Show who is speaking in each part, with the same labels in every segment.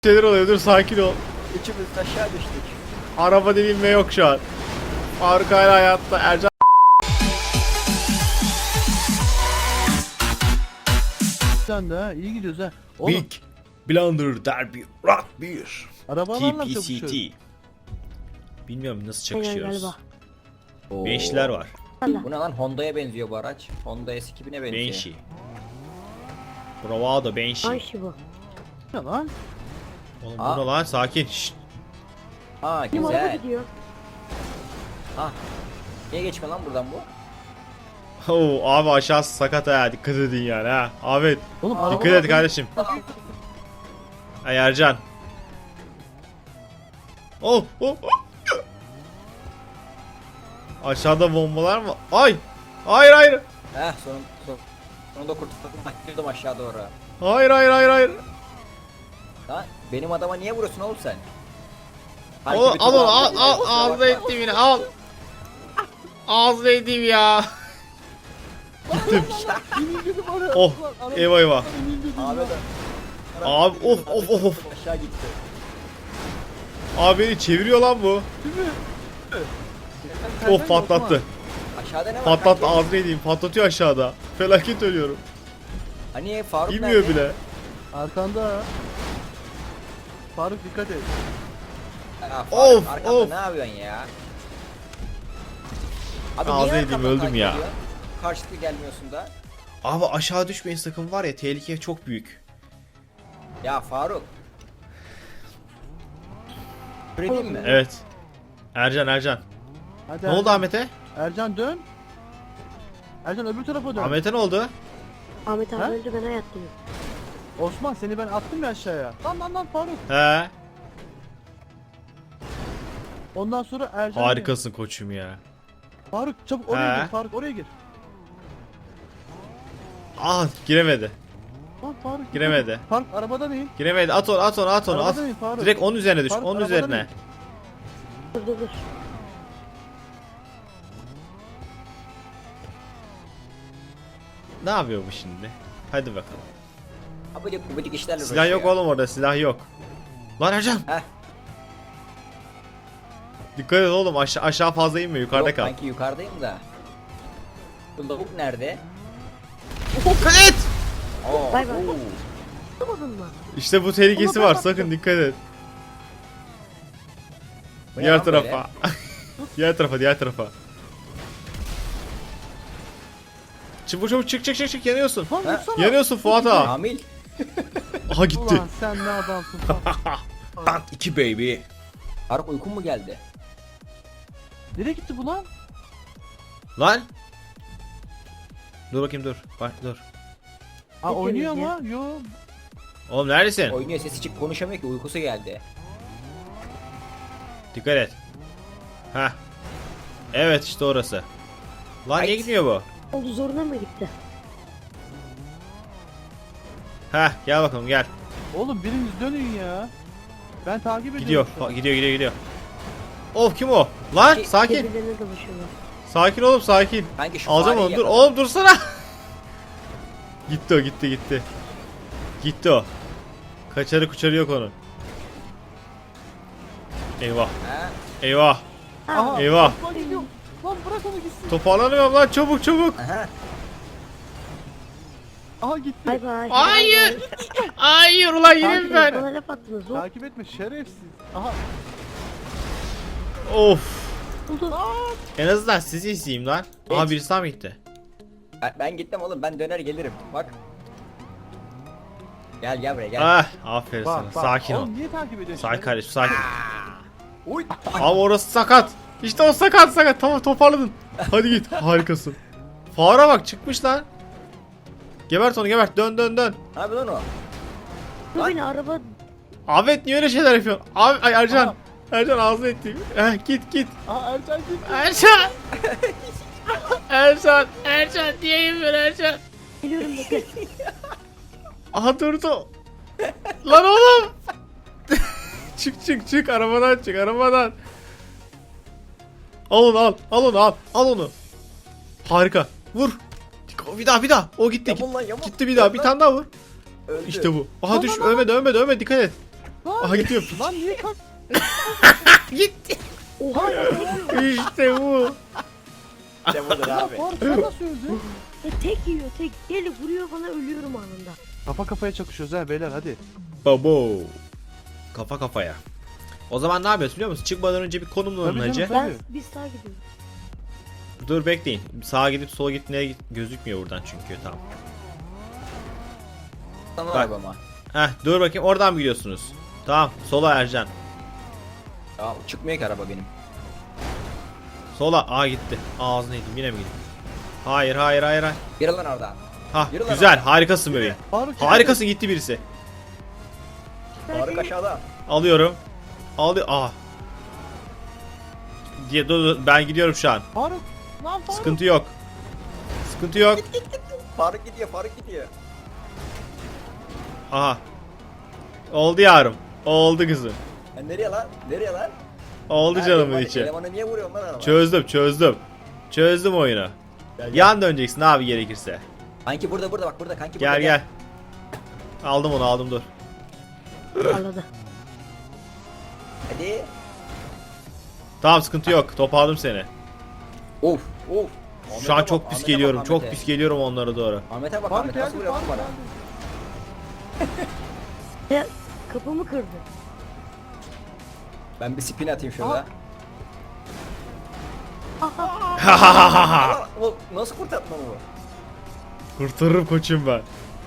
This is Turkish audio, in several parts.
Speaker 1: Şeyler oluyor, dur sakin ol.
Speaker 2: Üçümüz aşağı düştük.
Speaker 1: Araba dilinme yok şu an. Faruk hala hayatta. Ercan
Speaker 3: Sen de ha iyi gidiyoruz ha. Oğlum
Speaker 1: Big Blunder Derby Rock 1
Speaker 3: arabalarla mı çabuşuyor?
Speaker 1: TPCT. Bilmiyorum nasıl
Speaker 4: Aynen
Speaker 1: çakışıyoruz.
Speaker 4: galiba.
Speaker 2: Oo.
Speaker 1: Beşler var.
Speaker 2: Bu ne lan, Honda'ya benziyor bu araç. Honda S2000'e benziyor.
Speaker 1: Banshee. Bravado Banshee.
Speaker 4: Banshee bu.
Speaker 3: Ne lan?
Speaker 1: Oğlum
Speaker 2: Aa.
Speaker 1: bu ne lan, sakin. Şşt.
Speaker 2: Ha
Speaker 4: Benim araba
Speaker 2: güzel.
Speaker 4: gidiyor.
Speaker 2: Ha. Niye geçme lan buradan bu?
Speaker 1: Oo, abi aşağısı sakat ha, dikkat edin yani ha. Ahmet
Speaker 3: Oğlum
Speaker 2: Aa,
Speaker 1: dikkat et kardeşim. Ay Ercan. Oh, oh, oh. Aşağıda bombalar mı? Ay! Hayır hayır.
Speaker 2: Heh sonunda kurtuldum. Girdim aşağı doğru.
Speaker 1: Hayır hayır hayır hayır.
Speaker 2: Ha benim adama niye vuruyorsun oğlum sen?
Speaker 1: Oğlum, al onu, al
Speaker 2: Kusura
Speaker 1: al,
Speaker 2: bakma.
Speaker 1: ağzına ettim yine, al. Ağzına ettim ya.
Speaker 3: İndirdim araya.
Speaker 1: Oh,
Speaker 3: Araba-
Speaker 1: eyvah eyvah.
Speaker 3: İndirdim
Speaker 2: Abi
Speaker 3: ya.
Speaker 2: de.
Speaker 1: Abi of of of of.
Speaker 2: Aşağı gitti.
Speaker 1: Abi beni çeviriyor lan bu.
Speaker 3: Değil mi?
Speaker 1: Of, patlattı.
Speaker 2: Aşağıda ne var?
Speaker 1: Patlattı,
Speaker 2: kanki?
Speaker 1: ağzına edeyim. Patlatıyor aşağıda. Felaket ölüyorum.
Speaker 2: Hani Faruk
Speaker 1: İnmiyor
Speaker 2: nerede?
Speaker 1: bile.
Speaker 3: Arkanda ha. Faruk dikkat et.
Speaker 2: Ha, Faruk,
Speaker 1: Of,
Speaker 2: arkamda
Speaker 1: of.
Speaker 2: ne yapıyorsun ya? Abi
Speaker 1: Ağzına
Speaker 2: niye
Speaker 1: yediğim,
Speaker 2: arkamdan
Speaker 1: öldüm
Speaker 2: takip
Speaker 1: ya.
Speaker 2: ediyorsun? Karşılıklı gelmiyorsun da.
Speaker 1: Abi aşağı düşmeyin sakın, var ya, tehlike çok büyük.
Speaker 2: Ya Faruk. Öyle değil mi?
Speaker 1: Evet. Ercan.
Speaker 3: Hadi
Speaker 1: Ne oldu Ahmet'e?
Speaker 3: Ercan dön. Ercan öbür tarafa dön.
Speaker 1: Ahmet'e ne oldu?
Speaker 4: Ahmet abi
Speaker 3: Ha?
Speaker 4: öldü, ben hayattayım.
Speaker 3: Osman seni ben attım ya aşağıya. Lan Faruk.
Speaker 1: He.
Speaker 3: Ondan sonra Ercan.
Speaker 1: Harikasın koçum ya.
Speaker 3: Faruk çabuk oraya
Speaker 1: He.
Speaker 3: gir. Faruk oraya gir.
Speaker 1: Ah, giremedi.
Speaker 3: Lan Faruk.
Speaker 1: Giremedi.
Speaker 3: Faruk arabadan in.
Speaker 1: Giremedi. At onu.
Speaker 3: Arabadan in Faruk.
Speaker 1: Direkt onun üzerine düş.
Speaker 3: Faruk,
Speaker 1: Onun
Speaker 3: arabadan
Speaker 1: üzerine.
Speaker 3: in.
Speaker 4: Dur.
Speaker 1: Ne yapıyor bu şimdi? Hadi bakalım.
Speaker 2: Abidik gubidik işlerle
Speaker 1: Silah yok
Speaker 2: uğraşıyor.
Speaker 1: oğlum orada, silah yok. Lan Ercan.
Speaker 2: Heh.
Speaker 1: Dikkat et oğlum, aşağı fazla inme, yukarıda
Speaker 2: Yok,
Speaker 1: kal.
Speaker 2: sanki yukarıdayım da. Bu lavuk nerede?
Speaker 1: Dikkat et.
Speaker 2: Oo,
Speaker 4: Bay bay.
Speaker 2: oo.
Speaker 4: Anlamadın mı?
Speaker 1: İşte bu tehlikesi var, sakın dikkat et.
Speaker 2: Bu ne
Speaker 1: Diğer
Speaker 2: lan böyle?
Speaker 1: tarafa. diğer tarafa. Çabuk çık, yanıyorsun.
Speaker 3: Lan
Speaker 2: Ha?
Speaker 3: vursana.
Speaker 1: Yanıyorsun Fuat ağa.
Speaker 2: Kamil.
Speaker 1: Aha gitti.
Speaker 3: Ulan sen ne adamsın Faruk.
Speaker 1: Bak 2 baby.
Speaker 2: Faruk uykun mu geldi?
Speaker 3: Nereye gitti bu lan?
Speaker 1: Lan. Dur bakayım, dur. Bak dur.
Speaker 3: Aa
Speaker 4: Ne
Speaker 3: oynuyor
Speaker 4: diyorsun
Speaker 3: ama. Yo.
Speaker 1: Oğlum neredesin?
Speaker 2: Oynuyor, sesi çık, konuşamıyor ki, uykusu geldi.
Speaker 1: Dikkat et. Heh. Evet, işte orası. Lan niye
Speaker 2: Ay.
Speaker 1: gitmiyor bu?
Speaker 4: Oldu, zoruna mı gitti?
Speaker 1: Heh, gel bakalım gel.
Speaker 3: Oğlum biriniz dönün ya. Ben takip
Speaker 1: Gidiyor.
Speaker 3: ediyorum. şu an.
Speaker 1: Gidiyor. Of, kim o? Lan
Speaker 2: Ki-
Speaker 1: sakin.
Speaker 4: Birbirlerine dolaşıyorlar.
Speaker 1: Sakin oğlum, sakin.
Speaker 2: Kanki şu
Speaker 1: Alacağım
Speaker 2: fareyi
Speaker 1: onu, dur.
Speaker 2: yakala.
Speaker 1: Oğlum dursana. Gitti o, gitti. Gitti o. Kaçarı yok onun. Eyvah.
Speaker 2: Ha?
Speaker 1: Eyvah.
Speaker 3: Aha.
Speaker 1: Eyvah.
Speaker 3: Osman gidiyor. Lan bırak onu gitsin.
Speaker 1: Toparlanıyorum lan, çabuk.
Speaker 2: Aha.
Speaker 3: Aha gitti.
Speaker 4: Bay bay.
Speaker 1: Hayır. Hayır ulan, yine mi ben?
Speaker 4: Bana laf attınız. Hop.
Speaker 3: Takip etme şerefsiz. Aha.
Speaker 1: Of.
Speaker 4: Oldu.
Speaker 1: En azından sizi izleyeyim lan. Aha, birisi daha mı gitti?
Speaker 2: Ben gittim oğlum, ben döner gelirim. Bak. Gel buraya gel.
Speaker 1: Ah, aferin sana.
Speaker 3: Bak bak.
Speaker 1: Sakin ol.
Speaker 3: Oğlum niye takip ediyorsun?
Speaker 1: Sakin kardeşim, sakin.
Speaker 2: Uy.
Speaker 1: Abi orası sakat. İşte o sakat. Tamam, toparladın. Hadi git. Harikasın. Fare bak, çıkmış lan. Gebert onu, gebert. Dön.
Speaker 2: Ne yapıyor lan o?
Speaker 4: Dur beni, araba.
Speaker 1: Ahmet niye öyle şeyler yapıyorsun? Abi, ay Ercan.
Speaker 3: Aha.
Speaker 1: Ercan ağzını ettim. Git.
Speaker 3: Aha Ercan gitti.
Speaker 1: Ercan niye yapıyorsun Ercan?
Speaker 4: Geliyorum, bekle.
Speaker 1: Aha, durdu. Lan oğlum. çık arabadan. Al onu. Harika. Vur. Bir daha. O gitti.
Speaker 2: Yamul lan, yamul.
Speaker 1: Gitti bir daha. Bir tane daha vur.
Speaker 2: Öldü.
Speaker 1: İşte bu. Aha düş. Ölmedi. Dikkat et. Aha gidiyor.
Speaker 3: Lan niye kalk?
Speaker 1: Gitti.
Speaker 4: Oha ya.
Speaker 1: İşte bu.
Speaker 2: İşte budur
Speaker 3: Ya
Speaker 2: abi.
Speaker 3: Faruk sen nasıl öldün?
Speaker 4: Tek yiyor tek. Gel vuruyor bana ölüyorum anında.
Speaker 3: Kafa kafaya çakışıyoruz ha beyler hadi.
Speaker 1: Babo. Kafa kafaya. O zaman ne yapıyoruz biliyor musun? Çıkmadan önce bir konumlanın
Speaker 3: Tabii
Speaker 1: hacı.
Speaker 3: canım.
Speaker 4: Biz sağa gidiyoruz.
Speaker 1: Dur bekleyin. Sağa gidip sola gitmeye gözükmüyor buradan çünkü. Tamam.
Speaker 2: Sana
Speaker 1: Bak.
Speaker 2: arabama.
Speaker 1: Heh dur bakayım oradan mı gidiyorsunuz? Tamam sola Ercan.
Speaker 2: Ya çıkmıyor ki araba benim.
Speaker 1: Sola. Aa gitti. Ağzına yedim yine mi gitti? Hayır hayır hayır hayır.
Speaker 2: Yürü lan orada.
Speaker 1: Ha
Speaker 2: Yürü lan
Speaker 1: güzel harikasın bebeğim.
Speaker 3: Faruk
Speaker 1: Harikasın gitti birisi.
Speaker 2: Faruk aşağıda.
Speaker 1: Alıyorum. Ah. Dur, ben gidiyorum şu an.
Speaker 3: Faruk. Lan Faruk.
Speaker 1: Sıkıntı yok. Sıkıntı yok.
Speaker 2: Faruk gidiyor, Faruk gidiyor.
Speaker 1: Aha. Oldu yarım. Oldu kızım.
Speaker 2: Nereye lan? Nereye lan?
Speaker 1: Oldu
Speaker 2: Ha,
Speaker 1: canımın
Speaker 2: elemanı-
Speaker 1: içi.
Speaker 2: Elemanı niye vuruyorsun lan araba?
Speaker 1: Çözdüm. Çözdüm oyunu. Yan döneceksin abi gerekirse.
Speaker 2: Kanki burada bak burada kanki
Speaker 1: Gel
Speaker 2: burada.
Speaker 1: gel. Aldım onu aldım dur.
Speaker 4: Arada.
Speaker 2: Hadi.
Speaker 1: Tamam sıkıntı yok. Toparladım seni.
Speaker 2: Of.
Speaker 1: Şu an çok pis geliyorum. Çok pis geliyorum onlara doğru.
Speaker 2: Ahmet'e bak
Speaker 3: Faruk
Speaker 2: Ahmet nasıl
Speaker 3: geldi
Speaker 2: vuruyor lan
Speaker 3: Faruk
Speaker 2: bana?
Speaker 3: geldi.
Speaker 4: Ya kapımı kırdı.
Speaker 2: Ben bir spin atayım şurada.
Speaker 1: Ah.
Speaker 2: Oğlum, nasıl kurtartma bu?
Speaker 1: Kurtarırım koçum ben.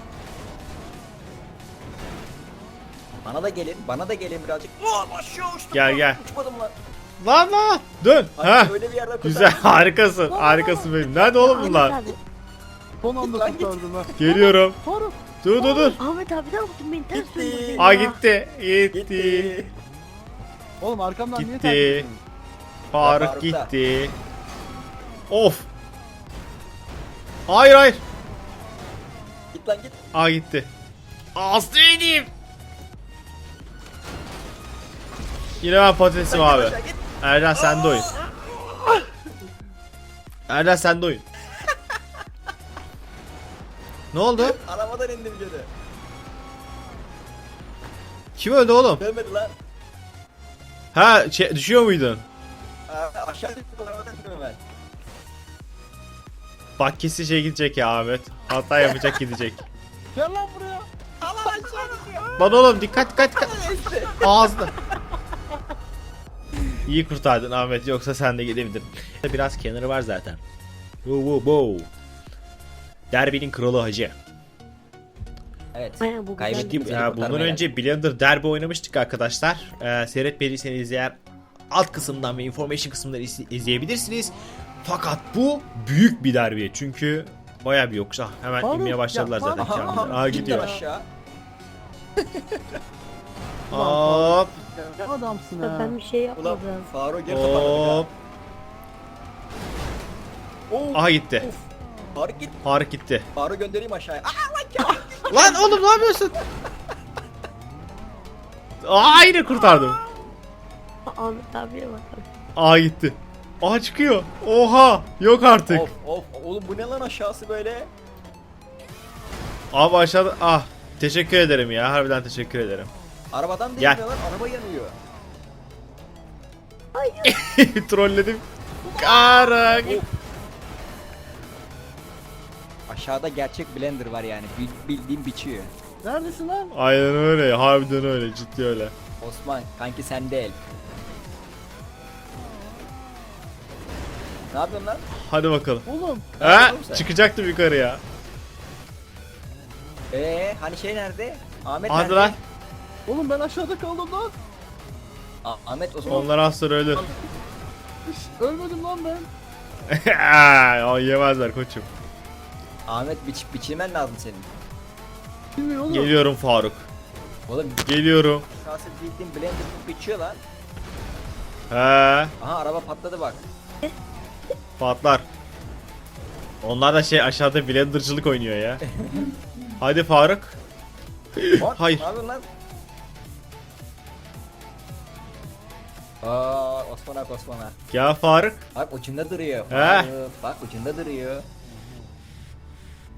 Speaker 2: Bana da gelin birazcık. Aa, aşağı uçtum.
Speaker 1: Gel,
Speaker 2: lan.
Speaker 1: gel.
Speaker 2: Uçmadım lan.
Speaker 1: Lan. Dön.
Speaker 2: Ay,
Speaker 1: Ha.
Speaker 2: öyle bir yerde kurtar.
Speaker 1: Güzel harikasın. Harikasın benim. Nerede oğlum
Speaker 4: Ahmet
Speaker 1: bunlar?
Speaker 4: abi.
Speaker 3: Son anda
Speaker 2: Lan git.
Speaker 3: kurtardım ha.
Speaker 1: Geliyorum.
Speaker 3: Faruk.
Speaker 1: Dur.
Speaker 4: Ahmet abi ne yaptın beni ters
Speaker 2: Gitti.
Speaker 4: döndürdün
Speaker 1: Aa
Speaker 4: ya.
Speaker 1: gitti.
Speaker 2: Gitti.
Speaker 3: Oğlum arkamdan niye
Speaker 1: Gitti.
Speaker 3: takip ediyorsun?
Speaker 1: Faruk
Speaker 2: Faruk da.
Speaker 1: gitti. Of. Hayır.
Speaker 2: Git lan git.
Speaker 1: Aa gitti. Aslı edeyim. Yine ben patatesim abi.
Speaker 2: Aşağı git.
Speaker 1: Ercan sende oyun. Ercan sende oyun. Ne oldu?
Speaker 2: Arabadan indim geri.
Speaker 1: Kim öldü oğlum?
Speaker 2: Dönmedi lan.
Speaker 1: Ha düşüyor muydun?
Speaker 2: Aşağı gittim arabadan indim hemen.
Speaker 1: Bak kesin şey gidecek ya Ahmet. Hata yapacak gidecek.
Speaker 3: Gel lan buraya.
Speaker 2: Allah aşağı gidiyor.
Speaker 1: Lan oğlum dikkat.
Speaker 2: Neyse.
Speaker 1: Ağzına. İyi kurtardın Ahmet yoksa sen de gidebilirdin. Biraz kenarı var zaten. Wow. Derbinin kralı hacı.
Speaker 2: Evet.
Speaker 4: Aynen, bu
Speaker 2: Kaybettiğim
Speaker 4: güzeldi.
Speaker 2: seni
Speaker 1: Bundan
Speaker 2: kurtarmaya
Speaker 1: önce Blender Derby oynamıştık arkadaşlar. Seyretmediyseniz eğer alt kısımdan ve information kısmından izleyebilirsiniz. Fakat bu büyük bir derbi çünkü baya bir yokuş. Hemen
Speaker 3: Faruk,
Speaker 1: inmeye başladılar
Speaker 3: ya,
Speaker 1: zaten
Speaker 3: Faruk.
Speaker 1: kendileri. Aa
Speaker 2: Git
Speaker 1: gidiyor.
Speaker 2: lan aşağı.
Speaker 1: Hop
Speaker 3: Ne adamsın ha.
Speaker 4: Ben bir şey
Speaker 2: Ulan
Speaker 4: yapmadım.
Speaker 2: Faruk geri toparladı
Speaker 1: hop.
Speaker 2: ya.
Speaker 1: Aha gitti.
Speaker 2: Of. Faruk git.
Speaker 1: Faruk gitti.
Speaker 2: Faruk göndereyim aşağıya. Aa lan ya.
Speaker 1: Lan oğlum ne yapıyorsun? Aa yine kurtardım.
Speaker 4: Ahmet abiye bak.
Speaker 1: Aa gitti. Aa çıkıyor. Oha yok artık.
Speaker 2: Of. Oğlum bu ne lan aşağısı böyle?
Speaker 1: Abi aşağıda teşekkür ederim ya harbiden teşekkür ederim.
Speaker 2: Arabadan
Speaker 1: Gel.
Speaker 2: değil lan araba yanıyor.
Speaker 1: Trolledim. Karak.
Speaker 2: Aşağıda gerçek blender var yani. Bildiğin biçiyor.
Speaker 3: Neredesin lan?
Speaker 1: Aynen öyle harbiden öyle ciddi öyle.
Speaker 2: Osman kanki sende el. Ne yapıyorsun lan?
Speaker 1: Hadi bakalım.
Speaker 3: Oğlum.
Speaker 1: Ha
Speaker 2: oğlum sen?
Speaker 1: çıkacaktım yukarıya.
Speaker 2: Hani şey nerede? Ahmet
Speaker 1: Hadi
Speaker 2: nerede?
Speaker 1: lan.
Speaker 3: Oğlum ben aşağıda kaldım lan.
Speaker 2: Ahmet Osman.
Speaker 1: Onlar az sonra ölür.
Speaker 3: Ölmedim lan ben.
Speaker 1: O yemezler koçum.
Speaker 2: Ahmet biçilmen lazım senin.
Speaker 3: Bilmiyorum oğlum.
Speaker 1: Geliyorum Faruk.
Speaker 2: Oğlum
Speaker 1: Geliyorum.
Speaker 2: aşağısı bildiğin blender biçiyor lan.
Speaker 1: He
Speaker 2: Aha araba patladı bak.
Speaker 1: patlar. Onlar da şey aşağıda blendercılık oynuyor ya. Hadi Faruk.
Speaker 2: Lan,
Speaker 1: Hayır.
Speaker 2: Ne yapıyorsun lan? Osman'a.
Speaker 1: Gel Faruk.
Speaker 2: Bak ucunda duruyor.
Speaker 1: He.
Speaker 2: Bak ucunda duruyor.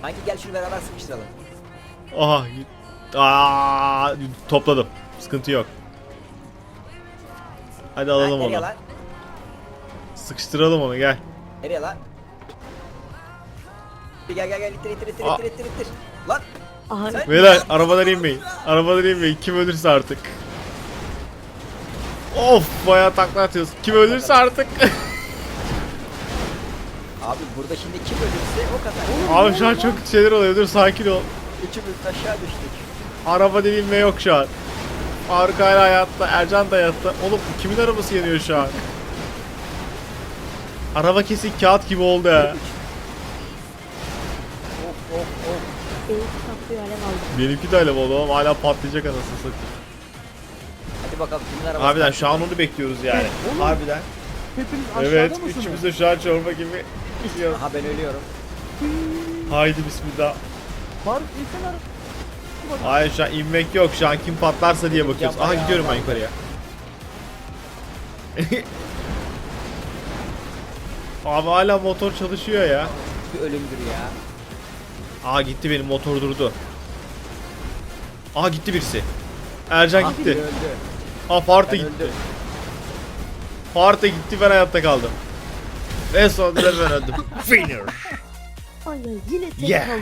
Speaker 2: Kanki gel şunu beraber sıkıştıralım.
Speaker 1: Aha. Aa, topladım. Sıkıntı yok. Hadi alalım
Speaker 2: Nereye
Speaker 1: onu.
Speaker 2: lan?
Speaker 1: Sıkıştıralım onu gel.
Speaker 2: Nereye lan? Bir gel ittir
Speaker 1: Aa.
Speaker 2: ittir. Lan
Speaker 4: Aha,
Speaker 2: sen-
Speaker 1: Beyler arabadan inmeyin. Arabadan inmeyin. Kim ölürse artık. Of bayağı takla atıyoruz. Kim ölürse artık.
Speaker 2: Abi burada şimdi kim ölürse o kadar.
Speaker 1: Abi şu an çok şeyler oluyor. Dur sakin ol.
Speaker 2: Üçümüz aşağı düştük.
Speaker 1: Araba dediğim ve yok şu an. Faruk hala hayatta. Ercan da hayatta. Oğlum kimin arabası yanıyor şu an? Araba kesin kağıt gibi oldu ha.
Speaker 2: Of.
Speaker 4: benim saplıyor alev aldı.
Speaker 1: Benimki de öyle oldu oğlum. Hala patlayacak anasını satayım.
Speaker 2: Hadi bakalım kimin arabası?
Speaker 1: Harbiden şu an onu bekliyoruz yani.
Speaker 3: Oğlum.
Speaker 1: Harbiden.
Speaker 3: Hepiniz aşağıda
Speaker 1: Evet.
Speaker 3: mısınız?
Speaker 1: Üçümüz de şu an çorba gibi gidiyoruz.
Speaker 2: Aha ben ölüyorum.
Speaker 1: Haydi bismillah.
Speaker 3: Faruk insan ara.
Speaker 1: Hayır şu an inmek yok. Şu an kim patlarsa diye bakıyoruz. Aha
Speaker 2: Yapma ya.
Speaker 1: gidiyorum ben yukarıya. Abi hala motor çalışıyor ya.
Speaker 2: Bir ölümdür ya.
Speaker 1: Aa gitti benim motor durdu. Aha gitti birisi. Ercan
Speaker 2: Ah,
Speaker 1: gitti.
Speaker 2: biri öldü.
Speaker 1: Aa Faruk da
Speaker 2: Ben
Speaker 1: gitti.
Speaker 2: öldüm.
Speaker 1: Faruk da gitti ben hayatta kaldım. Ve sonunda ben öldüm. Finish.
Speaker 4: Aynen yine tek
Speaker 1: Yeah.
Speaker 4: kaldı.